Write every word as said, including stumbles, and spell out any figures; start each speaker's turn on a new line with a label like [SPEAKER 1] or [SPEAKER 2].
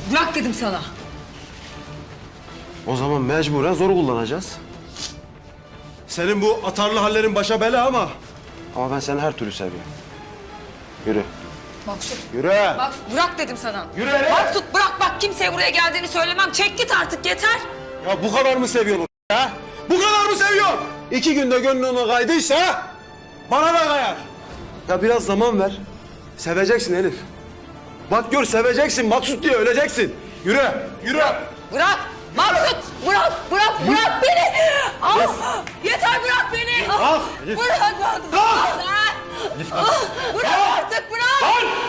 [SPEAKER 1] Bırak dedim sana.
[SPEAKER 2] O zaman mecburen zoru kullanacağız. Senin bu atarlı hallerin başa bela ama... Ama ben seni her türlü seviyorum. Yürü.
[SPEAKER 1] Maksut.
[SPEAKER 2] Yürü.
[SPEAKER 1] Bak bırak dedim sana.
[SPEAKER 2] Yürü hele.
[SPEAKER 1] Maksut bırak bak kimseye buraya geldiğini söylemem. Çek git artık yeter.
[SPEAKER 2] Ya bu kadar mı seviyorsun ha? Bu kadar mı seviyorsun? İki günde gönlün ona kaydıysa bana da kayar. Ya biraz zaman ver. Seveceksin Elif. Bak gör seveceksin. Maksut diye öleceksin. Yürü. Yürü.
[SPEAKER 1] Bırak. Maksut bırak bırak bırak beni. Ah, yeter bırak beni.
[SPEAKER 2] Ah, Elif.
[SPEAKER 1] Bırak Maksut.
[SPEAKER 2] Ah!
[SPEAKER 1] Ah, Bırak artık bırak.
[SPEAKER 2] Lan!